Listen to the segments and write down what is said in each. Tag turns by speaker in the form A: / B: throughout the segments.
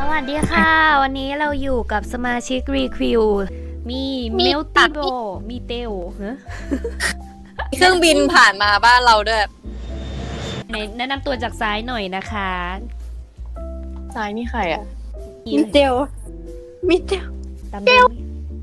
A: วัสดีค่ะ วันนี้เราอยู่กับสมาชิกรีคิวมีเมลติโบมีเตล
B: เครื่องบินผ่านมาบ้านเราด้วย
A: แนะนำตัวจากซ้ายหน่อยนะคะ
B: ซ้ายนี่ใครอ่ะ
A: มิเตลตามเตล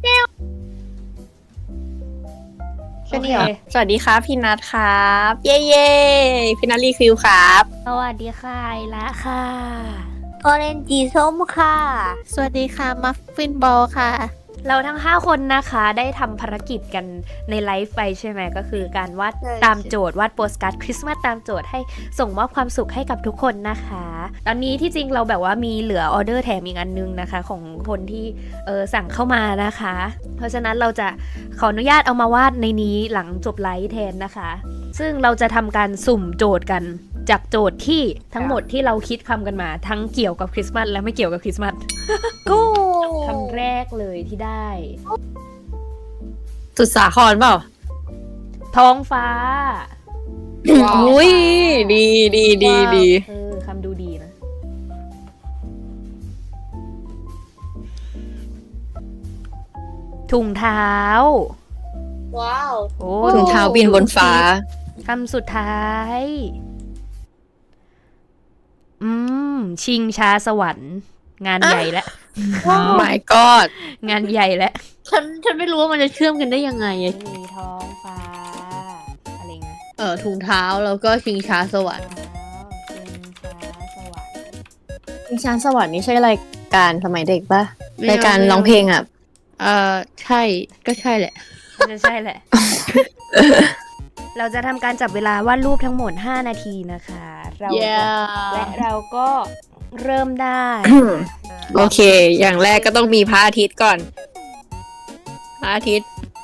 B: แค่นี้เหรอสวัสดีครับพี่นัทครับ เย้พี่นัทรีคิวครับ
A: สวัสดีค่ะไอละค่ะ
C: ออเรนจีส้มค่ะ
D: สวัสดีค่ะ มัฟฟินบอลค่ะ
A: เราทั้ง5คนนะคะได้ทำภารกิจกันในไลฟ์ไปใช่ไหมก็คือการวาด
C: ใช่
A: ตามโจทย์วาดโปสการ์ดคริสต์มาสตามโจทย์ให้ส่งมอบความสุขให้กับทุกคนนะคะ ตอนนี้ที่จริงเราแบบว่ามีเหลือออเดอร์แถมอีกอันนึงนะคะของคนที่สั่งเข้ามานะคะ เพราะฉะนั้นเราจะขออนุญาตเอามาวาดในนี้หลังจบไลฟ์แทนนะคะ ซึ่งเราจะทำการสุ่มโจทย์กันจากโจทย์ที่ทั้งหมดที่เราคิดคำกันมาทั้งเกี่ยวกับคริสต์มาสและไม่เกี่ยวกับคริสต์มาส
C: กู
A: คำแรกเลยที่ได้
B: สุดสาครเปล่า
A: ท้องฟ้า
B: อุ้ยดี
A: คำดูดีนะ ถุงเท้า
C: ว้าว
A: โอ้
B: ถุงเท้าบินบนฟ้า
A: คำสุดท้าย ชิงช้าสวรรค์ งานใหญ่แล้ว
B: my god
A: งานใหญ่แล้ว
D: ฉันไม่รู้ว่ามันจะเชื่อมกันได้ยังไงอะ
A: มีท้องฟ้า อะไรเงี้ย
D: ถุงเท้าแล้วก็ชิงช้าสวรรค์
A: ชิงช้าสวรรค์
B: ชิงช้าสวรรค์นี่ใช่รายการสมัยเด็กปะ
D: ไม่
B: รายการร้องเพลงอ่ะ
D: ใช่ก็ใช่แหละ
A: น่าจะใช่แหละ เราจะทำการจับเวลาวาดรูปทั้งหมด5 นาทีนะคะ และเราก็เริ่มได้
B: โอเค อย่างแรกก็ต้องมีพระอาทิตย์ก่อน พระอาทิตย์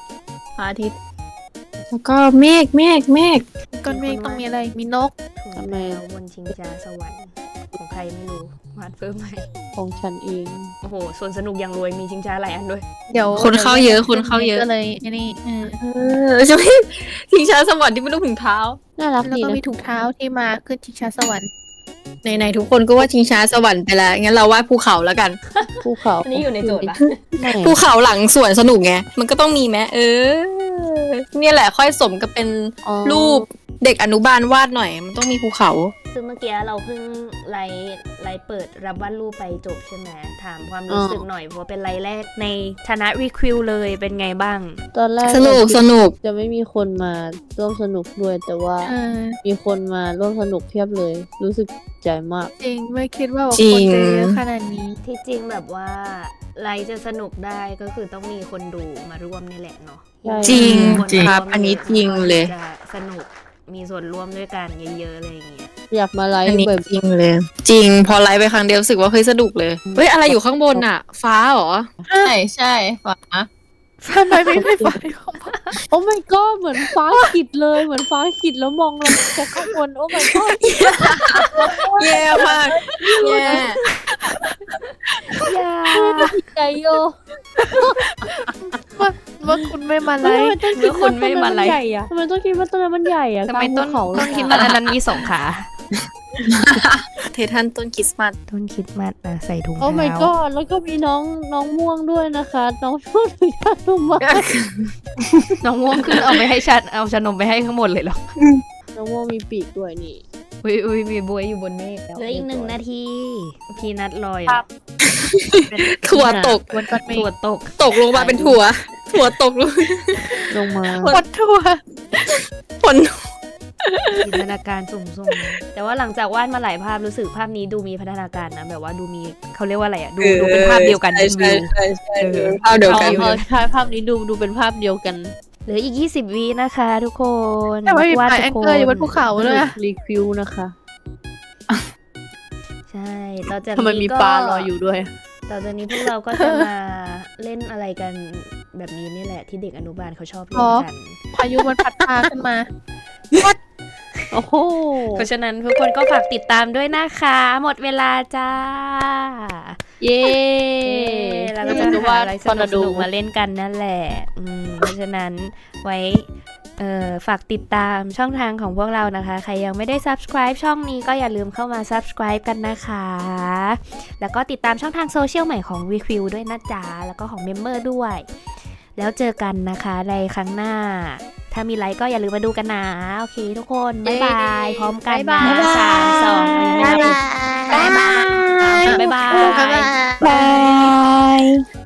B: แล้วก็เมฆ
D: ก้อนเมฆต้องมีอะไร มีนก
A: ถุง
D: ทำไม
A: เท้าบนชิงช้าสวรรค์ของใครไม่รู้วาดเพิ่มไหม
D: ของฉันเอง
A: โอ้โหส่วนสนุกอย่างรวยมีชิงช้าหลายอันด้วย
D: เดี๋ยว
B: คนเข้าเยอะคนเข้าเยอะ
D: ก็เลยอันนี้
B: ใช่ไหมชิงช้าสวรรค์ที่เป็นรูปถุงเท้า
D: น่ารัก
C: แล้ว
D: ดี
C: ก็
D: นะ
C: มีถุงเท้าที่มาขึ้นชิงช้าสวรรค์
B: ไหนๆทุกคนก็ว่าชิงช้าสวรรค์ไปแล้ว งั้นเราวาดภูเขาแล้วกัน
D: ภูเขา
A: อันนี้อยู่ในโจทย์ปะ
D: ไม่
B: ภูเขาหลังสวนสนุกไง มันก็ต้องมีไหมเนี่ยแหละค่อยสมกับเป็น
D: อ๋อ
B: รูปเด็กอนุบาลวาดหน่อย มันต้องมีภูเขา
A: คือเมื่อกี้เราเพิ่งไลฟ์เปิดรับวาดรูปไปจบใช่ไหมถามความรู้สึกหน่อยเพราะว่าเป็นไลฟ์แรกในฐานะรีคิวเลยเป็นไงบ้าง
D: ตอนแรก
B: สนุก
D: จะไม่มีคนมาร่วมสนุกด้วยแต่ว่า มีคนมาร่วมสนุกเพียบเลย รู้สึกใจมาก
C: จริงไม่คิดว่า
B: จริ
C: คน
B: ง
C: จะเยอะขนาดนี้
A: ที่จริงแบบว่าไลฟ์จะสนุกได้ก็คือต้องมีคนดูมาร่วมนี่แหละเนาะ
D: ใช่
B: จริง
A: คน
B: จริง
A: มา
B: ครับ
A: วม
B: อันนี้จริงเลย
A: จะสนุกมีส่วนร่วมด้วยกันเยอะๆอะไรอย่างเงี้ย
D: อยากมาไล
B: อัน
D: ฟ์
B: นี้
D: แบบ
B: จริงเลย จริง พอไลฟ์ไปครั้งเดียวรู้สึกว่าเฮ้ยสนุกเลย เฮ้ยอะไรอยู่ข้างบนอ่ะ ฟ้าเหรอ ใช่ฟ้า
C: ทำไมไม่ไฟเข้ามา
D: โอ้ my god เหมือนฟ้ากิดเลยเหมือนฟ้ากิดแล้วมองลงจากข้างบนโอ้ my god
B: แย่มากแย่
A: อย่า
D: ใจโย
C: ว่าคุณไม่มาไล
D: ทำไม
C: ฟ์
D: ต้องคิดว่าต้นนั้นมันใหญ่อะทำไมต้องคิดว่าต้นนั้นมันใหญ่อะ
A: ทำไม
D: กลางภูเขา
A: ต้นคิดมันอันนั้นมี2 ขา
B: เททันต้นคริสต์มาส
A: ต้นคิดมันใส่ถุง
D: โอ้ my
A: เท้า
D: god แล้วก็มีน้องม่วงด้วยนะคะ น้องช่วยถือยาดมมา
A: น้องม่วงขึ้นเอาไปให้ชัดเอาชานมไปให้ข้างบนเลยเหรอ
D: น้องม่วงมีปีกด้วยนี่
A: อุ้ยมีบวยอยู่บนเมฆเหลืออีก1 นาทีพีนัทลอย
C: ครับ
B: ถั่วตก
C: วันก่อนเม
A: ถั่ว
C: ฆ
A: ตก
B: ตกลงมาเป็นถั่วตกลง
D: ลงมา
C: วัดทัวร์
B: ฝน
A: จินตนาการสูงๆแต่ว่าหลังจากวาดมาหลายภาพรู้สึกภาพนี้ดูมีพัฒนาการนะแบบว่าดูมีเขาเรียกว่าอะไรอ่ะดูเป็นภาพเดียวกัน
B: ใช่
A: เป็นวิว
B: ใช่ภาพเดียวกัน
D: ใช่ภาพนี้ดูเป็นภาพเดียวกัน
A: เหลืออีก20 วินะคะทุกคน
C: แต่ว่ามี
A: วาด
C: ปลา
A: ทุ
C: แอง
A: กค
C: เกอร์อยู่บนภูเขาเลยนะ
D: รีคิวนะคะ
A: ใช่ต่อจาก
D: ทำไม
A: นี้
D: มี
A: ก็
D: ปลาลอยอยู่ด้วย
A: ต่อจากนี้พวกเราก็จะมาเล่นอะไรกันแบบนี้นี่แหละที่เด็กอนุบาลเขาชอบเล่นกัน
C: พายุมันพัดพาขึ้นมา
D: โอ้โห
A: เพราะฉะนั้นทุกคนก็ฝากติดตามด้วยนะคะ หมดเวลาจ้า
D: เย้
A: แล้วก็จะ
D: ดู
A: หา
D: ว่า
A: อะไรส
D: ตอน
A: นุ
D: ดู
A: กๆมาเล่นกันนั่นแหละเพราะฉะนั้นไว้ฝากติดตามช่องทางของพวกเรานะคะ ใครยังไม่ได้ subscribe ช่องนี้ก็อย่าลืมเข้ามา subscribe กันนะคะ แล้วก็ติดตามช่องทางโซเชียลใหม่ของ VQ ด้วยนะจ๊ะ แล้วก็ของเมมเบอร์ด้วย แล้วเจอกันนะคะในครั้งหน้า ถ้ามีไลค์ก็อย่าลืมมาดูกันนะ โอเคทุกคน บ๊ายบาย พร้อมกันนะ3 2 1
E: บ๊ายบาย
A: บ๊ายบาย
C: บ๊ายบาย
E: บาย